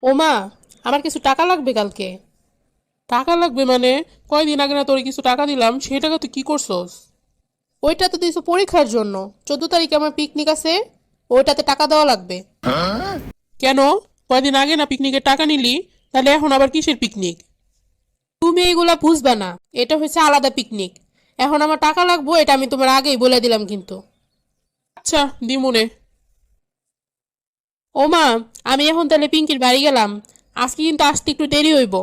ও মা, আমার কিছু টাকা লাগবে কালকে। টাকা লাগবে মানে? কয়দিন আগে না তোর কিছু টাকা দিলাম, সেই টাকা তুই কি করছস? ওইটা তো দিয়েছো পরীক্ষার জন্য। 14 তারিখে আমার পিকনিক আছে, ওইটাতে টাকা দেওয়া লাগবে। কেন? কয়দিন আগে না পিকনিকের টাকা নিলি? তাহলে এখন আবার কিসের পিকনিক? তুমি এইগুলা বুঝবা না। এটা হচ্ছে আলাদা পিকনিক। এখন আমার টাকা লাগবে, এটা আমি তোমার আগেই বলে দিলাম কিন্তু। আচ্ছা, দিমুনে। ও মা, আমি এখন তাহলে পিঙ্কির বাড়ি গেলাম। আজকে কিন্তু আসতে একটু দেরি হইব।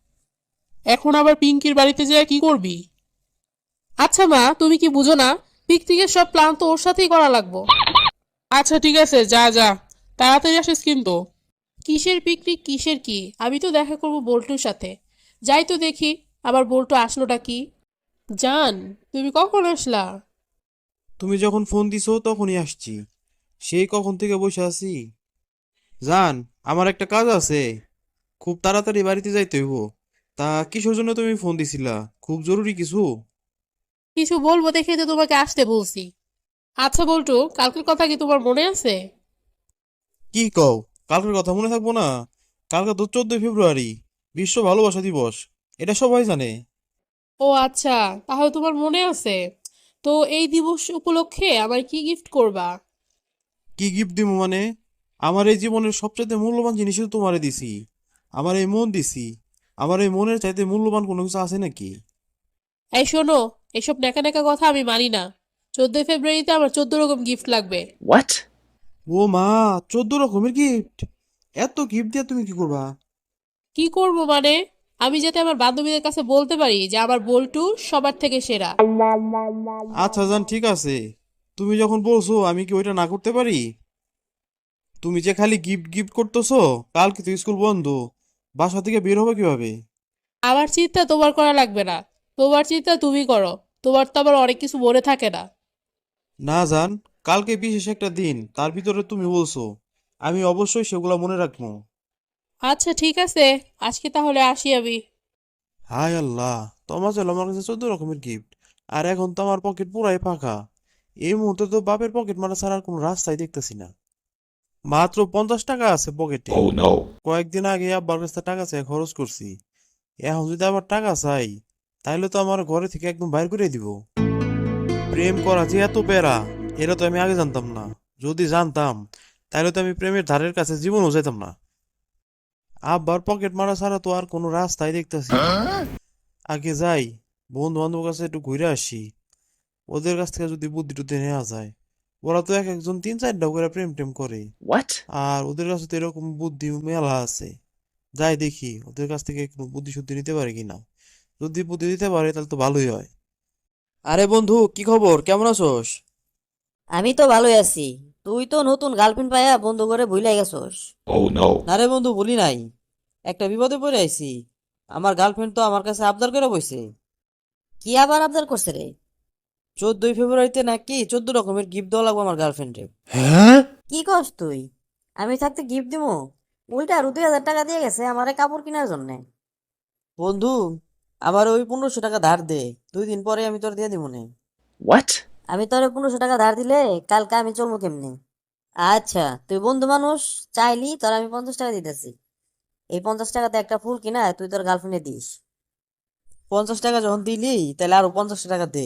এখন আবার পিঙ্কির বাড়িতে যেয়ে কি করবি? আচ্ছা মা, তুমি কি বুঝো না? পিকনিকের সব প্ল্যান তো ওর সাথেই করা লাগবো। আচ্ছা ঠিক আছে, যা যা, তাড়াতাড়ি আসিস কিন্তু। কিসের পিকনিক, কিসের কি? আমি তো দেখা করব বল্টুর সাথে। যাই তো দেখি, আবার বল্টু আসলোটা কি। জান, তুমি কখন আসলা? তুমি যখন ফোন দিছো তখনই আসছি। সেই কখন থেকে বসে আছি। জান, আমার একটা কাজ আছে, খুব তাড়াতাড়ি বাড়িতে যাইতে হইব। তা কিসের জন্য তুমি ফোন দিছিলা? খুব জরুরি কিছু? কিছু বলবো দেখে তো তোমাকে আসতে বলছি। আচ্ছা বল্টু, কালকের কথা কি তোমার মনে আছে? কি কও? কালকের কথা মনে থাকবো না? কালকে তো 14 ফেব্রুয়ারি, বিশ্ব ভালোবাসা দিবস। এটা সবাই জানে। ও আচ্ছা, তাহলে তোমার মনে আছে। তো এই দিবস উপলক্ষে আমার কি গিফট করবা? কি গিফট দিব মানে? আমার এই জীবনের সবচাইতে মূল্যবান জিনিসই তো তোমারে দিছি। আমার এই মন দিছি। আমার এই মনের চাইতে মূল্যবান কোনো কিছু আছে নাকি? এই শোনো, এসব ন্যাকা ন্যাকা কথা আমি মানি না। 14 ফেব্রুয়ারিতে আমার 14 রকম গিফট লাগবে। What? ও মা, 14 রকমের গিফট! এত গিফট দিয়ে তুমি কি করবা? কি করব মানে? আমি যাতে আমার বান্ধবীদের কাছে বলতে পারি যে আমার বল্টু সবার থেকে সেরা। আচ্ছা জান, ঠিক আছে। তুমি যখন বলছো, আমি কি ওইটা না করতে পারি? তুমি যে খালি গিফট গিফট করতেছো, কালকে তো স্কুল বন্ধ। বাসা থেকে বের হবে কিভাবে? আমার চিন্তা তোমার করা লাগবে না। তোমার চিন্তা তুমি করো। তোমার তো আবার অনেক কিছু মনে থাকে না। না জান, কালকে বিশেষ একটা দিন, তার ভিতরে তুমি বলছো, আমি অবশ্যই সেগুলো মনে রাখবো। আচ্ছা ঠিক আছে, আজকে তাহলে আসি আমি। হায় আল্লাহ, তোমার চলো আমার কাছে 14 রকমের গিফট, আর এখন তো আমার পকেট পুরাই ফাঁকা। এই মুহূর্তে তো বাপের পকেট মারা ছাড়া আর কোনো রাস্তাই দেখতেছি না। মাত্র 50 টাকা আছে পকেটে। Oh no. কয়েকদিন আগে আব্বার কাছে টাকা চাই খরচ করছি। এখন যদি আবার টাকা চাই, তাহলে তো আমার ঘরে থেকে একদম বাইর করে দিব। প্রেম করা যে এত প্যারা, এটা তো আমি আগে জানতাম না। যদি জানতাম, তাহলে তো আমি প্রেমের ধারের কাছে জীবনও যেতাম না। আব্বার পকেট মারা ছাড়া তো আর কোনো রাস্তাই দেখতেছি না। আগে যাই, বন্ধু বান্ধব কাছে একটু ঘুরে আসি। ওদের কাছ থেকে যদি বুদ্ধি টুদ্ধি নেওয়া যায়। ওরা তো এক একজন 3-4টা করে প্রেম টেম করে। What? আর ওদের কাছে তো এরকম বুদ্ধি মেলা আছে। যাই দেখি ওদের কাছ থেকে একটু বুদ্ধি শুদ্ধি নিতে পারে কিনা। যদি বুদ্ধি দিতে পারে তাহলে তো ভালোই হয়। আরে বন্ধু, কি খবর? কেমন আছোস? আমি তো ভালোই আছি। তুই তো নতুন গার্লফ্রেন্ড পাইয়া বন্ধু করে ভুলে গেছস। Oh no. না রে বন্ধু, বলি নাই। একটা বিপদে পড়ে আইছি। আমার গার্লফ্রেন্ড তো আমার কাছে আবদার করে বসে। কি আবার আবদার করছে রে? 14 ফেব্রুয়ারিতে নাকি 14 রকমের গিফট দেওয়া লাগবে আমার গার্লফ্রেন্ডে। হ্যাঁ? কি কস তুই? আমি থাকতে গিফট দিমু? উল্টা আরো 2,000 টাকা দিয়ে গেছে আমারে কাপড় কেনার জন্য। বন্ধু, আমার ওই 1500 টাকা ধার দে। 2 দিন পরে আমি তোর দিয়ে দিব নে। What? আমি তোরে 1500 টাকা ধার দিলে কালকে আমি চলবো কেমনে? আচ্ছা, তুই বন্ধু মানুষ, চাইলি তোর আমি 50 টাকা দিতেছি। এই 50 টাকাতে একটা ফুল কিনা তুই তোর গার্লফ্রেন্ডে দিস। 50 টাকা যখন দিলি, তাহলে আরো 50 টাকা দে।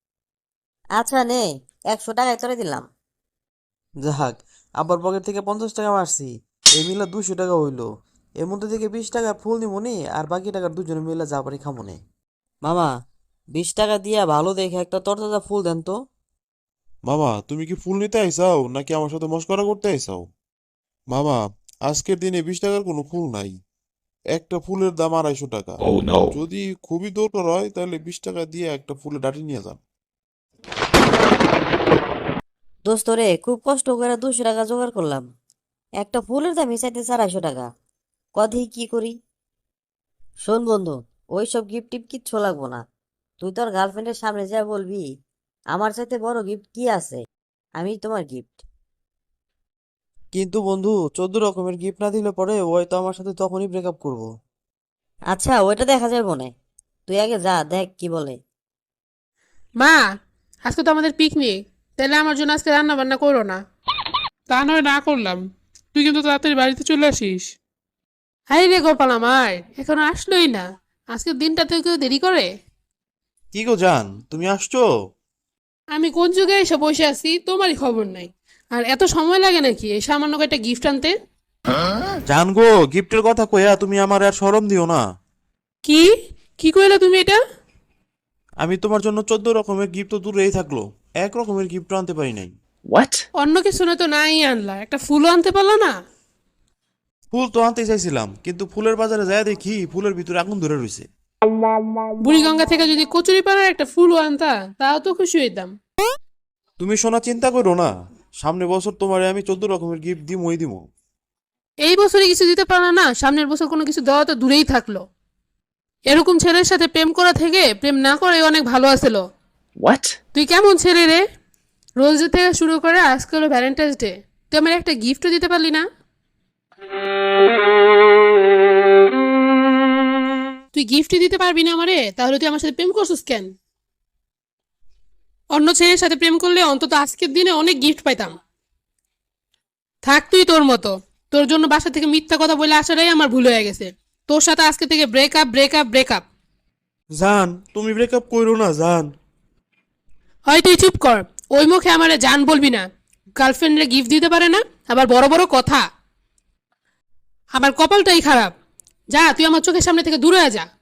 আচ্ছা নে, 100 টাকায় তোরে দিলাম। যাক, আব্বার পকেট থেকে 50 টাকা মারছি। এই মিলা 200 টাকা হইলো। এর মধ্যে থেকে 20 টাকার ফুল নিমুনি, আর বাকি টাকার দুজনে মিলে যা পারি খামুনে। মামা, 20 টাকা দিয়া ভালো দেখে একটা তরতাজা ফুল দেন তো। মামা, তুমি কি ফুল নিতে আইসাও নাকি আমার সাথে মশকরা করতে আইসাও? মামা, আজকের দিনে 20 টাকার কোনো ফুল নাই। একটা ফুলের দাম 250 টাকা। Oh no. যদি খুবই দরকার হয় তাহলে 20 টাকা দিয়ে একটা ফুলের ডাটি নিয়ে যান। দোস্ত রে, খুব কষ্ট করে 200 টাকা জোগাড় করলাম। একটা ফুলের দামই চাইতে 450 টাকা। কদি কি করি? শোন বন্ধু, ওইসব গিফট টিপ কিচ্ছু লাগবো না। তুই তোর গার্লফ্রেন্ডের সামনে যা বলবি, আমার চাইতে বড় গিফট কি আছে? আমি তোমার গিফট। কিন্তু বন্ধু, 14 রকমের গিফট না দিলে পরে ওই তো আমার সাথে তখনই ব্রেকআপ করবো। আচ্ছা, ওইটা দেখা যাবে না। তুই আগে যা দেখ কি বলে। মা, আজকে তো আমাদের পিকনিক। তাহলে আমার জন্য আজকে রান্না বান্না করো না। তা নয় না করলাম, তুই কিন্তু তাড়াতাড়ি বাড়িতে চলে আসিস। হাই রে গোপাল আমার, এখনো আসলোই না। আজকের দিনটাতে কেউ দেরি করে? কি গো জান, তুমি আসছো? আমি কোন যুগে এসে বসে আছি তোমারই খবর নাই। আর এত সময় লাগে নাকি এই সামান্য একটা গিফট আনতে? জান গো, গিফটের কথা কইয়া তুমি আমার আর শরম দিও না। কি কি কইলা তুমি এটা? আমি তোমার জন্য 14 রকমের গিফট তো দূরেই থাকলো, এক রকমের গিফট আনতে পারি নাই। অন্য কিছু না তো নাই আনলা, একটা ফুলও আনতে পারলা না? ফুল তো আনতে চাইছিলাম, কিন্তু ফুলের বাজারে যায় দেখি ফুলের ভিতরে আগুন ধরে রইছে। বুড়িগঙ্গা থেকে যদি কচুরি পাড়ার একটা ফুলও আনতা তাও তো খুশি হইতাম। তুমি সোনা চিন্তা করো না, সামনে বছর তোমারে আমি 14 রকমের গিফট দিমই দিমো। এই বছরে কিছু দিতে পারলা না, সামনের বছর কোনো কিছু দেওয়া তো দূরেই থাকলো। এরকম ছেলের সাথে প্রেম করা থেকে প্রেম না করে অনেক ভালো আছিল। তুই কেমন ছেলে রে? রোজ ডে থেকে শুরু করে আজকে হলো ভ্যালেন্টাইন্স ডে, তুই আমার একটা গিফটও দিতে পারলি না। তুই গিফটই দিতে পারবি না আমারে, তাহলে তুই আমার সাথে প্রেম করছিস কেন? অন্য ছেলের সাথে প্রেম করলে অন্তত আজকের দিনে অনেক গিফট পাইতাম। থাক তুই তোর মতো, তোর জন্য বাসা থেকে মিথ্যা কথা বলে আসাটাই আমার ভুল হয়ে গেছে। তোর সাথে আজকে থেকে ব্রেকআপ ব্রেকআপ ব্রেকআপ। জান, তুমি ব্রেকআপ কইরো না জান। হয় তুই চুপ কর, ওই মুখে আমারে জান বলবি না। গার্লফ্রেন্ডরে গিফট দিতে পারে না, আবার বড় বড় কথা। আমার কপালটাই খারাপ। যা তুই আমার চোখের সামনে থেকে দূরে যা।